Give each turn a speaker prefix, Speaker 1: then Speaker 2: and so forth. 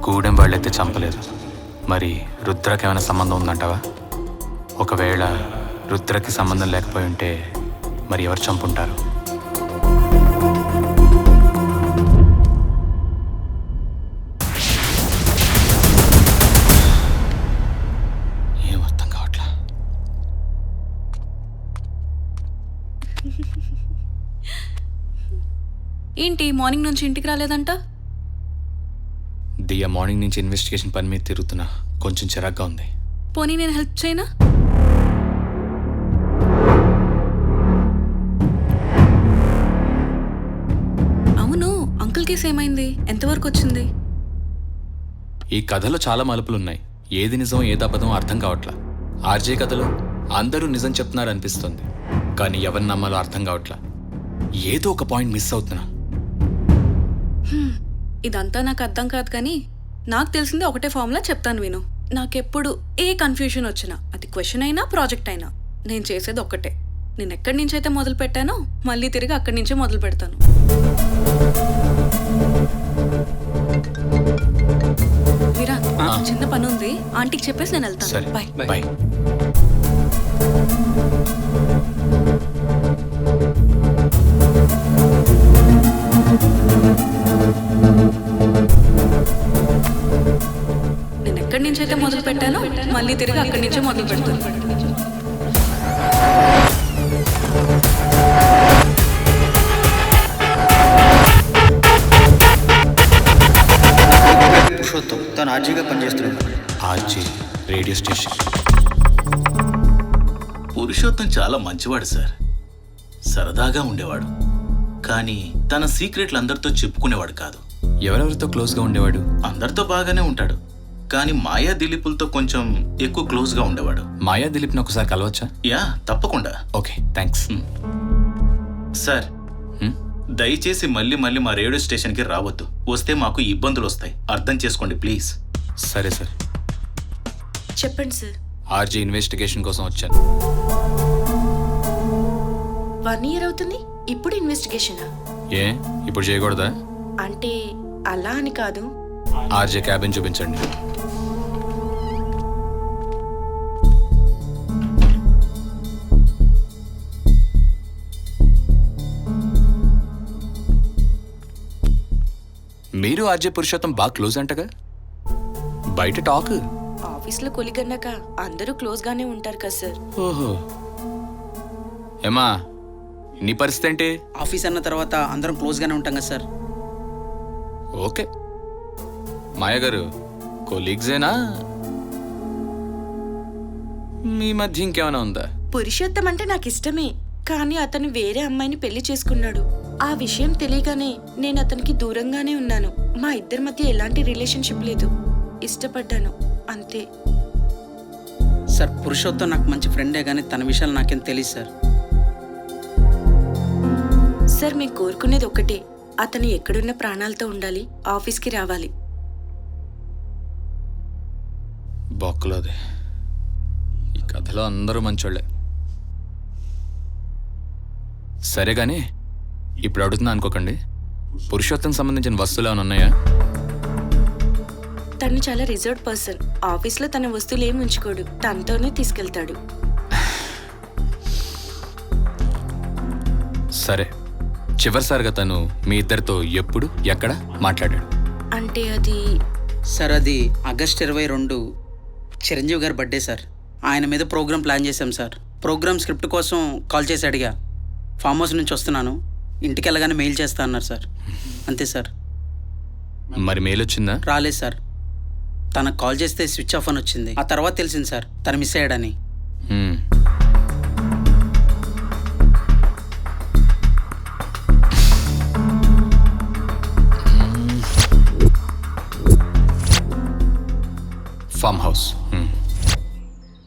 Speaker 1: గూడెం వాళ్ళైతే చంపలేదు. మరి రుద్రకి ఏమైనా సంబంధం ఉందంటావా? ఒకవేళ రుద్రకి సంబంధం లేకపోయి ఉంటే మరి ఎవరు చంపుంటారు? ఏం అర్థం కావట్లా.
Speaker 2: ఏంటి మార్నింగ్ నుంచి ఇంటికి రాలేదంట?
Speaker 1: దియా మార్నింగ్ నుంచి ఇన్వెస్టిగేషన్ పని మీద తిరుగుతున్నా. కొంచెం చిరాగ్గా ఉంది.
Speaker 2: పోనీ నేను హెల్ప్ చేయనా? అవును, అంకుల్ కేసు ఏమైంది? ఎంతవరకు వచ్చింది?
Speaker 1: ఈ కథలో చాలా మలుపులున్నాయి. ఏది నిజం ఏది అబద్ధం అర్థం కావట్లా. ఆర్జే కథలో అందరూ నిజం చెప్తున్నారు అనిపిస్తుంది, కానీ ఎవరిని నమ్మాలో అర్థం కావట్లా. ఏదో ఒక పాయింట్ మిస్ అవుతున్నా.
Speaker 2: ఇదంతా నాకు అర్థం కాదు, కానీ నాకు తెలిసింది ఒకటే ఫార్ములా చెప్తాను విను. నాకెప్పుడు ఏ కన్ఫ్యూజన్ వచ్చినా, అది క్వశ్చన్ అయినా ప్రాజెక్ట్ అయినా, నేను చేసేది ఒక్కటే. నేను ఎక్కడి నుంచి అయితే మొదలు పెట్టానో మళ్ళీ తిరిగి అక్కడి నుంచే మొదలు పెడతాను. విరాట్, చిన్న పని ఉంది, ఆంటీకి చెప్పేసి నేను వెళ్తాను.
Speaker 1: సరే,
Speaker 2: బాయ్.
Speaker 1: బాయ్.
Speaker 2: నేను ఎక్కడి నుంచి అయితే మొదలు పెట్టానో మళ్ళీ తిరిగి అక్కడి నుంచే మొదలు పెడతాను.
Speaker 3: పురుషోత్తం తను ఆర్జీగా పనిచేస్తున్నాడు.
Speaker 1: RJ radio station.
Speaker 4: పురుషోత్తం చాలా మంచివాడు సార్. సరదాగా ఉండేవాడు, కానీ తన సీక్రెట్లు అందరితో చెప్పుకునేవాడు కాదు.
Speaker 1: ఎవరెవరితో క్లోజ్గా ఉండేవాడు?
Speaker 4: అందరితో బాగానే ఉంటాడు, కానీ మాయా దిలీపులతో కొంచెం ఎక్కువ క్లోజ్గా ఉండేవాడు.
Speaker 1: మాయా దిలీప్ని ఒకసారి కలవచ్చా?
Speaker 4: యా, తప్పకుండా.
Speaker 1: Okay, thanks.
Speaker 4: సార్, దయచేసి మళ్ళీ మళ్ళీ మా రేడియో స్టేషన్కి రావద్దు. వస్తే మాకు ఇబ్బందులు వస్తాయి. అర్థం చేసుకోండి ప్లీజ్.
Speaker 1: సరే సార్.
Speaker 5: చెప్పండి సార్.
Speaker 1: ఆర్జే ఇన్వెస్టిగేషన్ కోసం వచ్చాను.
Speaker 5: 1 year అవుతుంది, ఇప్పుడు ఇన్వెస్టిగేషనా?
Speaker 1: ఏ ఇప్పుడు చేయకూడదా?
Speaker 5: అంటే అలా అని కాదు.
Speaker 1: ఆర్జే క్యాబిన్ చూపించండి. మీరు ఆర్జే పురుషోత్తం బాగా క్లోజ్ అంటగా, బయట టాక్.
Speaker 5: ఆఫీస్లో కొలిగన్నాక అందరూ క్లోజ్ గానే ఉంటారు కదా సార్.
Speaker 1: ఓహో, ఏమా నీ పరిస్థితి ఏంటి?
Speaker 3: ఆఫీస్ అన్న తర్వాత అందరం క్లోజ్గానే ఉంటాం కదా సార్.
Speaker 1: ఓకే, మాయ గారు కొలీగ్సేనా? మీ మధ్య ఇంకేమైనా ఉందా?
Speaker 5: పురుషోత్తం అంటే నాకు ఇష్టమే, కానీ అతను వేరే అమ్మాయిని పెళ్లి చేసుకున్నాడు. ఆ విషయం తెలియగానే నేను అతనికి దూరంగానే ఉన్నాను. మా ఇద్దరి మధ్య ఎలాంటి రిలేషన్షిప్ లేదు. ఇష్టపడ్డాను అంతే.
Speaker 3: సార్, పురుషోత్తం నాకు మంచి ఫ్రెండే, కానీ తన విషయాలు నాకేం తెలియదు సార్.
Speaker 5: సార్, మేము కోరుకునేది ఒకటే, అతను ఎక్కడున్న ప్రాణాలతో ఉండాలి, ఆఫీస్కి రావాలి.
Speaker 1: బొక్కలోది. ఈ కథలో అందరూ మంచోళ్ళే. సరే కానీ ఇప్పుడు అడుగుతున్నా అనుకోకండి, పురుషోత్తం సంబంధించిన వస్తువులు ఏమైనా ఉన్నాయా?
Speaker 5: తను చాలా రిజర్వ్డ్ పర్సన్. ఆఫీస్లో తన వస్తువులు ఏమి ఉంచుకోడు, తనతోనే తీసుకెళ్తాడు.
Speaker 1: సరే, చివరిసారిగా తను మీ ఇద్దరితో ఎప్పుడు ఎక్కడ మాట్లాడాడు?
Speaker 5: అంటే అది
Speaker 3: సార్, అది ఆగస్ట్ 22 చిరంజీవి గారి బర్త్డే సార్. ఆయన మీద ప్రోగ్రామ్ ప్లాన్ చేశాం సార్. ప్రోగ్రామ్ స్క్రిప్ట్ కోసం కాల్ చేసి అడిగా. ఫామ్ హౌస్ నుంచి వస్తున్నాను, ఇంటికి వెళ్ళగానే మెయిల్ చేస్తా అన్నారు సార్. అంతే సార్.
Speaker 1: మరి మెయిల్ వచ్చిందా?
Speaker 3: రాలేదు సార్. తనకు కాల్ చేస్తే స్విచ్ ఆఫ్ అని వచ్చింది. ఆ తర్వాత తెలిసింది సార్ తను మిస్ అయ్యాడని.